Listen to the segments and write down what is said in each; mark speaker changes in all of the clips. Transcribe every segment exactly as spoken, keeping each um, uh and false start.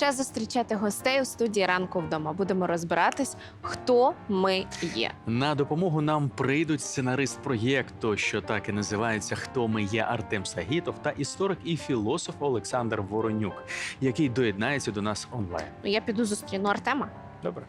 Speaker 1: Час зустрічати гостей у студії «Ранку вдома». Будемо розбиратись, хто ми є.
Speaker 2: На допомогу нам прийдуть сценарист проєкту, що так і називається «Хто ми є» Артем Сагітов та історик і філософ Олександр Воронюк, який доєднається до нас онлайн.
Speaker 1: Я піду зустріну Артема.
Speaker 2: Добре.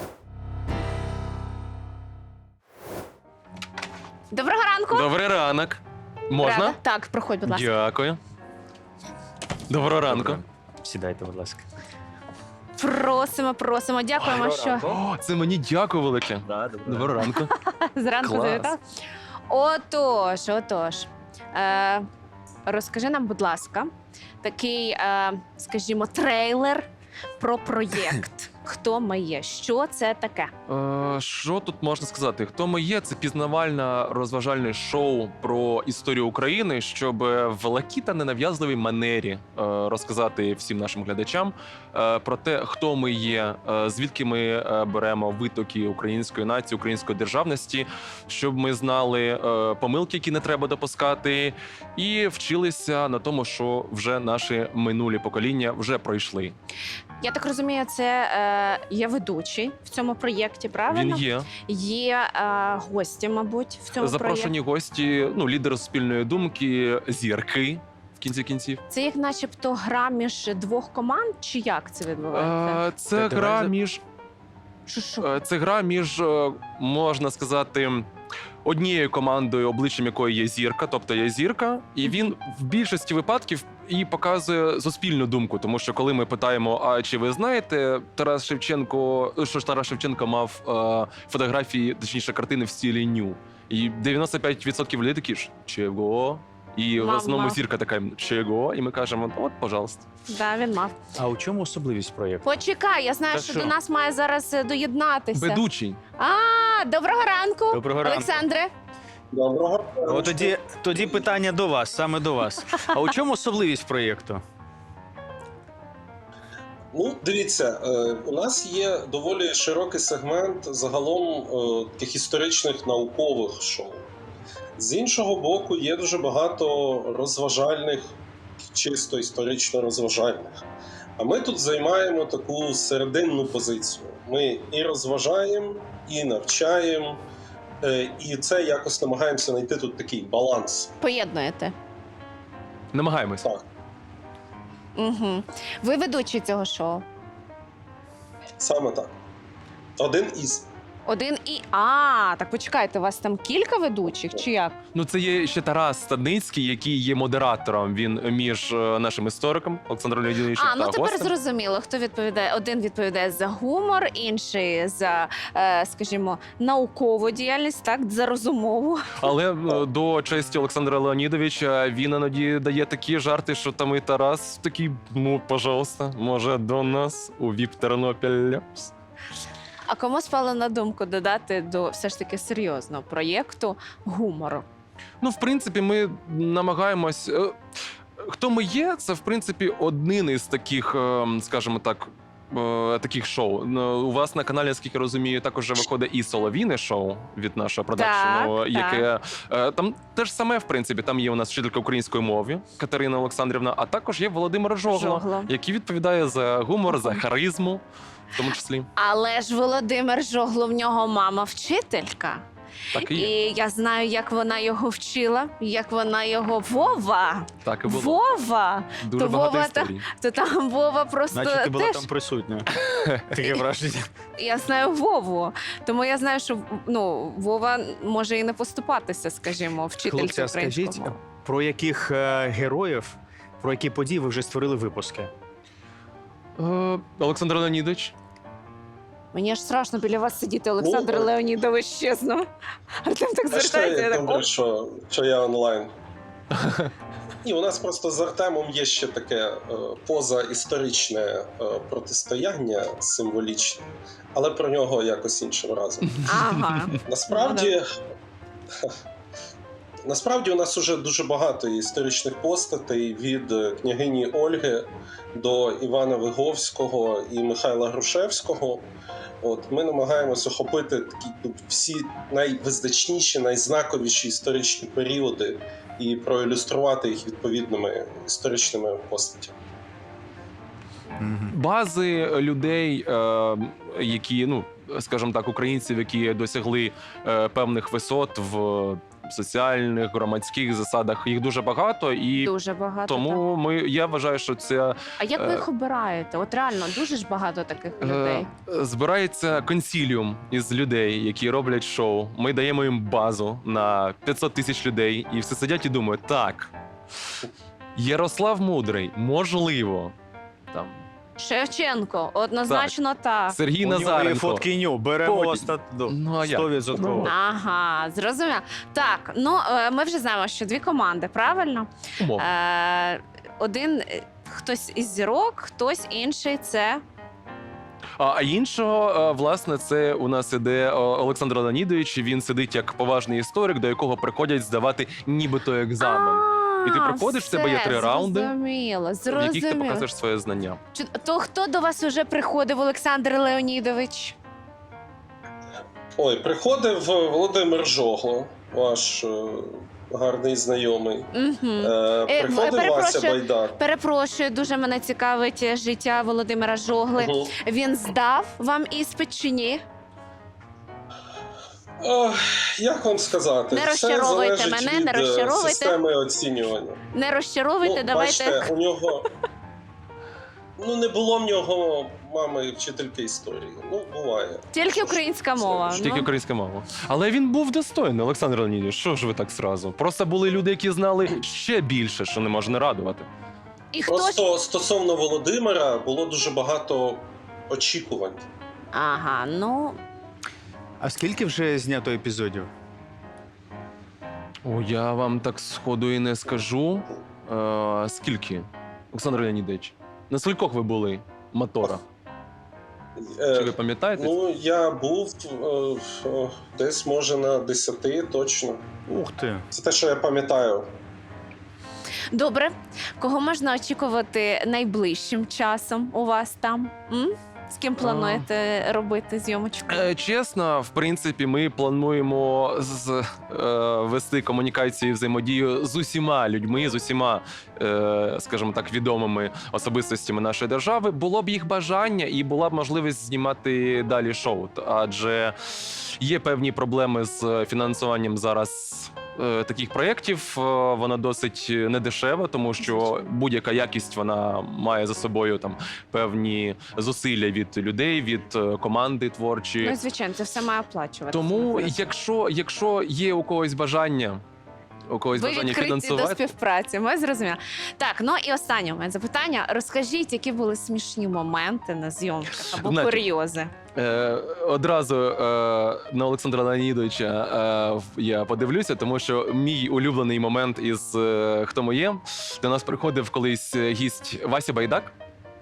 Speaker 1: Доброго ранку!
Speaker 3: Добрий ранок. Можна?
Speaker 1: Рада? Так, проходь, будь ласка.
Speaker 3: Дякую. Доброго ранку.
Speaker 2: Добре. Сідайте, будь ласка.
Speaker 1: Просимо, просимо. Дякуємо, що
Speaker 3: О, це мені дякую велике.
Speaker 2: Да, добре.
Speaker 3: Доброго ранку.
Speaker 1: зранку
Speaker 3: Клас.
Speaker 1: завітав. Отож, отож. Е, розкажи нам, будь ласка, такий, е, скажімо, трейлер про проєкт. Хто ми є? Що це таке?
Speaker 3: Е, Що тут можна сказати? Хто ми є? Це пізнавальне розважальне шоу про історію України, щоб в легкій та ненав'язливій манері е, розказати всім нашим глядачам е, про те, хто ми є, е, звідки ми е, беремо витоки української нації, української державності, щоб ми знали е, помилки, які не треба допускати, і вчилися на тому, що вже наші минулі покоління вже пройшли.
Speaker 1: Я так розумію, це е, є ведучий в цьому проєкті, правильно?
Speaker 3: Він є.
Speaker 1: Є е, гості, мабуть, в цьому
Speaker 3: Запрошені
Speaker 1: проєкті.
Speaker 3: гості, ну, лідери спільної думки, зірки в кінці кінців.
Speaker 1: Це як начебто гра між двох команд, чи як це відбувається?
Speaker 3: Е, Це
Speaker 2: Та
Speaker 3: гра
Speaker 2: давай за-
Speaker 3: між
Speaker 1: Що, що?
Speaker 3: е, це гра між, е, можна сказати, однією командою, обличчям якої є зірка, тобто є зірка, і він в більшості випадків і показує суспільну думку. Тому що коли ми питаємо, а чи ви знаєте, Тарас Шевченко, що ж Тарас Шевченко мав е, фотографії, точніше картини в стилі ню. І дев'яносто п'ять відсотків людей такі ж чого? І в
Speaker 1: Мав,
Speaker 3: основному
Speaker 1: мав.
Speaker 3: зірка така чого? І ми кажемо, от, пожалуйста.
Speaker 1: Да, він мав.
Speaker 2: А у чому особливість проєкту?
Speaker 1: Почекай, я знаю,
Speaker 2: Та
Speaker 1: що
Speaker 2: що?
Speaker 1: до нас має зараз е, доєднатися.
Speaker 3: Ведучий.
Speaker 1: А, доброго ранку,
Speaker 2: Доброго ранку.
Speaker 1: Олександре.
Speaker 4: Доброго.
Speaker 2: О, тоді, тоді питання до вас, саме до вас. А у чому особливість проєкту?
Speaker 4: Ну, дивіться, е, у нас є доволі широкий сегмент загалом е, таких історичних наукових шоу. З іншого боку, є дуже багато розважальних, чисто історично розважальних. А ми тут займаємо таку серединну позицію. Ми і розважаємо, і навчаємо, е, і це якось намагаємося знайти тут такий баланс.
Speaker 1: Поєднуєте.
Speaker 3: Намагаємось.
Speaker 4: Так,
Speaker 1: Угу. Ви ведучий цього шоу.
Speaker 4: саме так. Один із.
Speaker 1: Один і. А, так почекайте, у вас там кілька ведучих, чи як?
Speaker 3: Ну, це є ще Тарас Стадницький, який є модератором. Він між е, нашим істориком Олександром Леонідовичем
Speaker 1: А, ну
Speaker 3: та
Speaker 1: тепер
Speaker 3: гостем.
Speaker 1: зрозуміло, хто відповідає. Один відповідає за гумор, інший за, е, скажімо, наукову діяльність, так, за розумову.
Speaker 3: Але е, до честі Олександра Леонідовича він іноді дає такі жарти, що там і Тарас такий, ну, пожалуйста, може до нас у ВІП Тернопіль.
Speaker 1: А кому спало на думку додати до все ж таки серйозного проєкту гумору?
Speaker 3: Ну, в принципі, ми намагаємось. е, Хто ми є, це в принципі один із таких, е, скажімо так, е, таких шоу. Ну, у вас на каналі, наскільки розумію, також вже виходить і солов'їне шоу від нашого продакшену,
Speaker 1: Так,
Speaker 3: яке е, там теж саме, в принципі, там є у нас вчителька української мови Катерина Олександрівна, а також є Володимир Жогло,
Speaker 1: Жогло.
Speaker 3: який відповідає за гумор, за харизму, в тому числі.
Speaker 1: Але ж Володимир Жогло, в нього мама вчителька.
Speaker 3: Так і
Speaker 1: І
Speaker 3: є.
Speaker 1: я знаю, як вона його вчила, як вона його Вова.
Speaker 3: Так і було.
Speaker 1: Вова!
Speaker 3: Дуже
Speaker 1: то
Speaker 3: багато
Speaker 1: Вова та-
Speaker 3: історій.
Speaker 1: То там Вова просто
Speaker 2: Значить, ти була
Speaker 1: теж.
Speaker 2: там присутня. Таке враження.
Speaker 1: Я знаю Вову. Тому я знаю, що ну, Вова може і не поступатися, скажімо, вчительці
Speaker 5: Хлопці, а
Speaker 1: української
Speaker 5: скажіть,
Speaker 1: мови.
Speaker 5: про яких е, героїв, про які події ви вже створили випуски?
Speaker 3: Е, Олександр Леонідович.
Speaker 1: Мені аж страшно біля вас сидіти, Олександр
Speaker 4: Ну,
Speaker 1: Леонідович, чесно. Артем так
Speaker 4: Бачите,
Speaker 1: звертається. Я
Speaker 4: як
Speaker 1: так,
Speaker 4: добре,
Speaker 1: «О».
Speaker 4: що, що я онлайн. І у нас просто з Артемом є ще таке е, позаісторичне е, протистояння символічне, але про нього якось іншим разом.
Speaker 1: Ага.
Speaker 4: Насправді, насправді у нас уже дуже багато історичних постатей від е, княгині Ольги до Івана Виговського і Михайла Грушевського. От, ми намагаємося охопити такі ну, всі найвизначніші, найзнаковіші історичні періоди і проілюструвати їх відповідними історичними постатями.
Speaker 5: Мгм.
Speaker 3: бази людей, е, які, ну, скажімо так, українців, які досягли е, певних висот в соціальних, громадських засадах, їх дуже багато, і
Speaker 1: Дуже багато. так.
Speaker 3: тому ми, я вважаю, що це
Speaker 1: А як ви
Speaker 3: е,
Speaker 1: їх обираєте? От реально дуже ж багато таких людей.
Speaker 3: Е, Збирається консіліум із людей, які роблять шоу. Ми даємо їм базу на п'ятсот тисяч людей, і всі сидять і думають: так, Ярослав Мудрий, можливо, там
Speaker 1: Шевченко, однозначно так.
Speaker 3: Сергій
Speaker 5: У нього є
Speaker 3: Назаренко.
Speaker 5: фотки ню, беремо
Speaker 3: Потім.
Speaker 5: ста- до-
Speaker 3: Ну, а як?
Speaker 5: сто відсотків.
Speaker 1: Ага, зрозуміло. Так, ну е, ми вже знаємо, що дві команди, правильно?
Speaker 3: Умовно.
Speaker 1: Е, один е, хтось із зірок, хтось інший це.
Speaker 3: А а іншого, е, власне, це у нас іде е, Олександр Леонідович. Він сидить як поважний історик, до якого приходять здавати нібито екзамен. І ти
Speaker 1: А,
Speaker 3: приходиш, в тебе є
Speaker 1: все,
Speaker 3: три раунди,
Speaker 1: Зрозуміло,
Speaker 3: в яких ти
Speaker 1: зрозуміло.
Speaker 3: показуєш своє знання.
Speaker 1: Чи- То хто до вас вже приходив, Олександр Леонідович?
Speaker 4: Ой, приходив Володимир Жогло, ваш е, гарний знайомий.
Speaker 1: Угу.
Speaker 4: Е,
Speaker 1: Е,
Speaker 4: приходив
Speaker 1: перепрошую.
Speaker 4: Вася Байдар.
Speaker 1: Перепрошую, дуже мене цікавить життя Володимира Жогли.
Speaker 4: Мгм.
Speaker 1: Він здав вам іспит чи ні?
Speaker 4: Ох, як вам сказати?
Speaker 1: Не
Speaker 4: Все
Speaker 1: розчаровуйте
Speaker 4: залежить
Speaker 1: мене,
Speaker 4: від
Speaker 1: не
Speaker 4: е,
Speaker 1: розчаровуйте.
Speaker 4: системи оцінювання.
Speaker 1: Не розчаровуйте,
Speaker 4: Ну,
Speaker 1: давайте.
Speaker 4: бачите, у нього. Ну, не було в нього мами вчительки історії. Ну, буває.
Speaker 1: Тільки українська мова.
Speaker 3: Тільки
Speaker 1: Ну,
Speaker 3: українська мова. Але він був достойний, Олександр Леонідович. Що ж ви так зразу? Просто були люди, які знали ще більше, що не може не радувати.
Speaker 1: і хто ж...
Speaker 4: Просто стосовно Володимира було дуже багато очікувань.
Speaker 1: Ага, ну,
Speaker 5: А скільки вже знято епізодів?
Speaker 3: О, я вам так сходу і не скажу. Е, скільки? Олександр Леонідович, на скількох ви були мотора?
Speaker 4: Е,
Speaker 3: Чи ви пам'ятаєте?
Speaker 4: Ну, я був е, е, десь, може, на десяти точно.
Speaker 5: Ух ти.
Speaker 4: Це те, що я пам'ятаю.
Speaker 1: добре. Кого можна очікувати найближчим часом у вас там? М? З ким плануєте робити зйомочку?
Speaker 3: Е, Чесно, в принципі, ми плануємо з, е, вести комунікацію і взаємодію з усіма людьми, з усіма, е, скажімо так, відомими особистостями нашої держави. Було б їх бажання і була б можливість знімати далі шоу. Т- Адже є певні проблеми з фінансуванням зараз. е, Таких проєктів е, вона досить недешева, тому що будь-яка якість вона має за собою там певні зусилля від людей, від е, команди творчі.
Speaker 1: Ну, звичайно, це все має оплачувати.
Speaker 3: Тому, якщо, якщо є у когось бажання, у когось
Speaker 1: Ви
Speaker 3: бажання
Speaker 1: відкриті до
Speaker 3: фінансувати,
Speaker 1: співпраці, ми зрозуміли. Так, ну і останнє у мене запитання. Розкажіть, які були смішні моменти на зйомках або
Speaker 3: Знаєте,
Speaker 1: курйози?
Speaker 3: е, одразу е, на Олександра Леонідовича е, в- я подивлюся, тому що мій улюблений момент із е, «Хто ми є» до нас приходив колись гість Вася Байдак.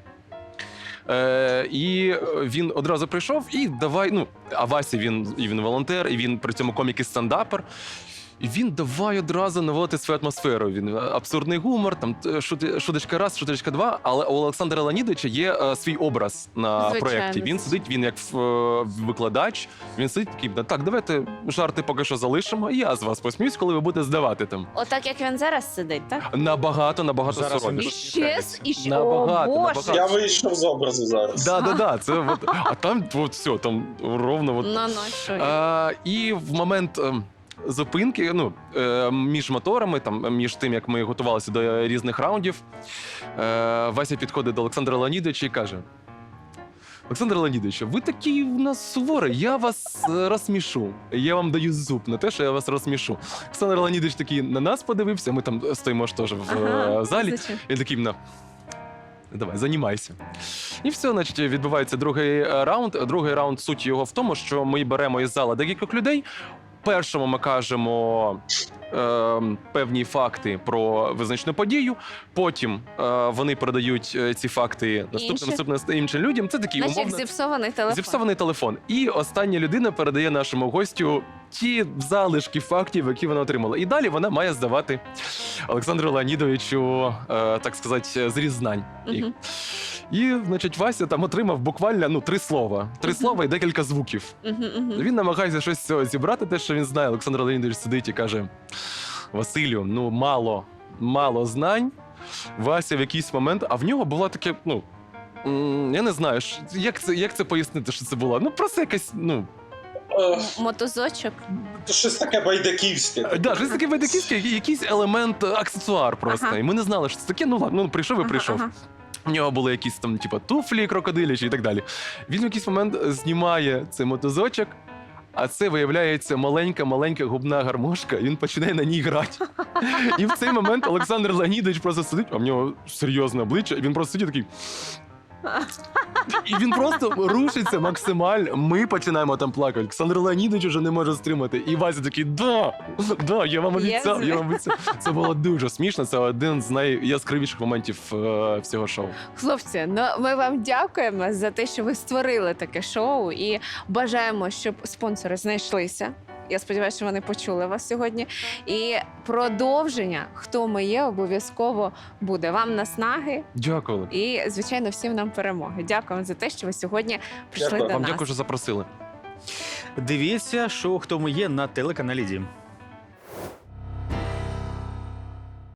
Speaker 3: Е, і він одразу прийшов і давай. Ну, а Вася він і він волонтер, і він при цьому комік і стендапер. І він давай одразу наводити свою атмосферу. Він абсурдний гумор, там шути- шуточка раз, шуточка два. Але у Олександра Леонідовича є е, свій образ на
Speaker 1: Звичайно.
Speaker 3: проєкті. Він сидить, він як е, викладач. Він сидить такий, так, давайте жарти поки що залишимо. І я з вас посміюсь, коли ви будете здавати там.
Speaker 1: Отак, як він зараз сидить, так?
Speaker 3: Набагато, набагато
Speaker 5: Зараз він
Speaker 3: соромніше.
Speaker 1: І ще, і ще,
Speaker 3: Набагато,
Speaker 1: о, Боже.
Speaker 3: набагато.
Speaker 4: Я вийшов з образу зараз.
Speaker 3: Да, да, да. Це от, а там от все, там ровно от.
Speaker 1: Ну, ну, що є?
Speaker 3: А, і в момент ем, зупинки, ну, е, між моторами, там, між тим, як ми готувалися до різних раундів, е, Вася підходить до Олександра Леонідовича і каже: Олександр Леонідович, ви такий у нас суворий, я вас е, розсмішу. Я вам даю зуб на те, що я вас розсмішу. Олександр Леонідович такий на нас подивився, ми там стоїмо ж теж в
Speaker 1: Ага,
Speaker 3: е, залі.
Speaker 1: звичайно.
Speaker 3: І такий на. Давай, займайся. І все, значить, відбувається другий е, раунд. Другий раунд, суть його в тому, що ми беремо із зала декількох людей. Першому ми кажемо е, певні факти про визначену подію. Потім е, вони передають е, ці факти наступним,
Speaker 1: Інші.
Speaker 3: наступним іншим людям. Це такий
Speaker 1: Наче як
Speaker 3: умовно
Speaker 1: зіпсований телефон.
Speaker 3: зіпсований телефон. І остання людина передає нашому гостю ті залишки фактів, які вона отримала. І далі вона має здавати Олександру Леонідовичу, е, так сказати, зріз знань. їх.
Speaker 1: Мгм.
Speaker 3: І, значить, Вася там отримав буквально ну, три слова. Три
Speaker 1: Мгм.
Speaker 3: слова і декілька звуків.
Speaker 1: Мгм, мгм.
Speaker 3: Він намагається щось з цього зібрати, те, що він знає. Олександр Леонідович сидить і каже: Василю, ну мало, мало знань. Вася в якийсь момент, а в нього була таке, ну, м, я не знаю, ш- як це, як це пояснити, що це було. Ну, просто якась, ну,
Speaker 4: Е,
Speaker 1: Мотозочок.
Speaker 4: то щось таке байдаківське.
Speaker 3: Е, Да, щось таке байдаківське, який- якийсь елемент, е, аксесуар просто.
Speaker 1: Ага.
Speaker 3: І ми не знали, що це таке. Ну ладно, ну прийшов і прийшов.
Speaker 1: Ага,
Speaker 3: У нього були якісь там, типу, туфлі крокодилячі і так далі. Він в якийсь момент знімає цей мотозочок, а це виявляється маленька-маленька губна гармошка, і він починає на ній грати. І в цей момент Олександр Леонідович просто сидить, а в нього серйозне обличчя, і він просто сидить такий. І він просто рушиться максимально. Ми починаємо там плакати. Олександр Леонідович вже не може стримати. І Вася такий: да, да, я вам обіцяв, я вам обіцяв. Це було дуже смішно. Це один з найяскравіших моментів е, всього шоу.
Speaker 1: Хлопці, ну ми вам дякуємо за те, що ви створили таке шоу, і бажаємо, щоб спонсори знайшлися. Я сподіваюся, що вони почули вас сьогодні. І продовження «Хто ми є» обов'язково буде. Вам наснаги
Speaker 3: Дякую.
Speaker 1: і, звичайно, всім нам перемоги. Дякуємо за те, що ви сьогодні прийшли
Speaker 4: Дякую.
Speaker 1: до
Speaker 3: Вам
Speaker 1: нас.
Speaker 3: дякую, що запросили.
Speaker 5: Дивіться, шоу «Хто ми є» на телеканалі Дім.